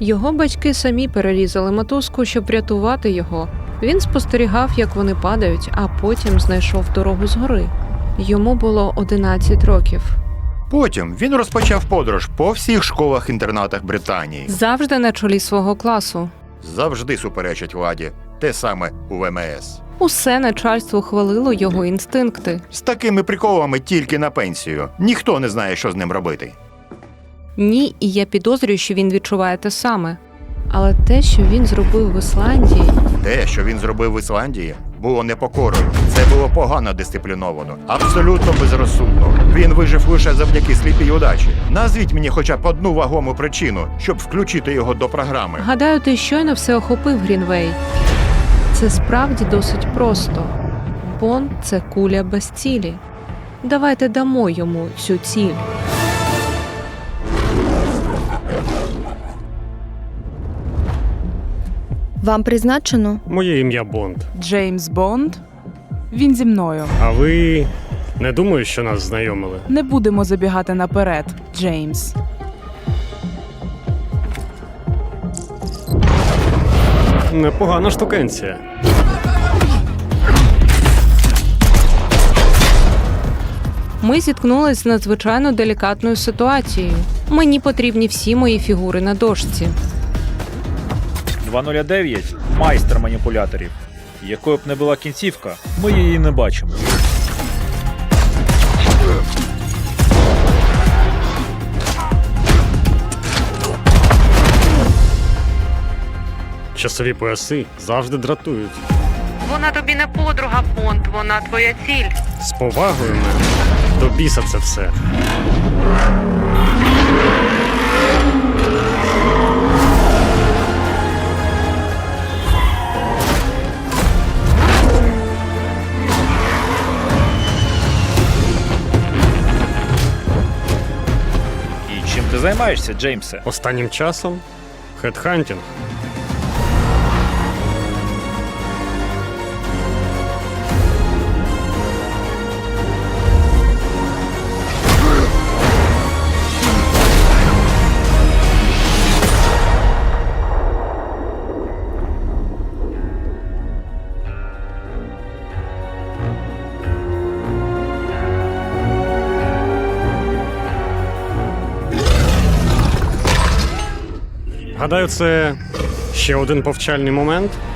Його батьки самі перерізали мотузку, щоб врятувати його. Він спостерігав, як вони падають, а потім знайшов дорогу згори. Йому було 11 років. Потім він розпочав подорож по всіх школах-інтернатах Британії. Завжди на чолі свого класу. Завжди суперечить владі. Те саме у ВМС. Усе начальство хвалило його інстинкти. З такими приколами тільки на пенсію. Ніхто не знає, що з ним робити. Ні, і я підозрюю, що він відчуває те саме. Але те, що він зробив в Ісландії... Те, що він зробив в Ісландії, було непокорою. Це було погано дисципліновано, абсолютно безрозсудно. Він вижив лише завдяки сліпій удачі. Назвіть мені хоча б одну вагому причину, щоб включити його до програми. Гадаю, ти щойно все охопив, Грінвей. Це справді досить просто. Бонд – це куля без цілі. Давайте дамо йому цю ціль. Вам призначено? Моє ім'я Бонд. Джеймс Бонд. Він зі мною. А ви не думаю, що нас знайомили? Не будемо забігати наперед, Джеймс. Непогана штукенція. Ми зіткнулися з надзвичайно делікатною ситуацією. Мені потрібні всі мої фігури на дошці. 209 – майстер маніпуляторів. Якою б не була кінцівка, ми її не бачимо. Часові пояси завжди дратують. Вона тобі не подруга, Бонд, вона твоя ціль. З повагою мене. До біса це все. І чим ти займаєшся, Джеймсе? Останнім часом хедхантінг. Гадаю, це ще один повчальний момент.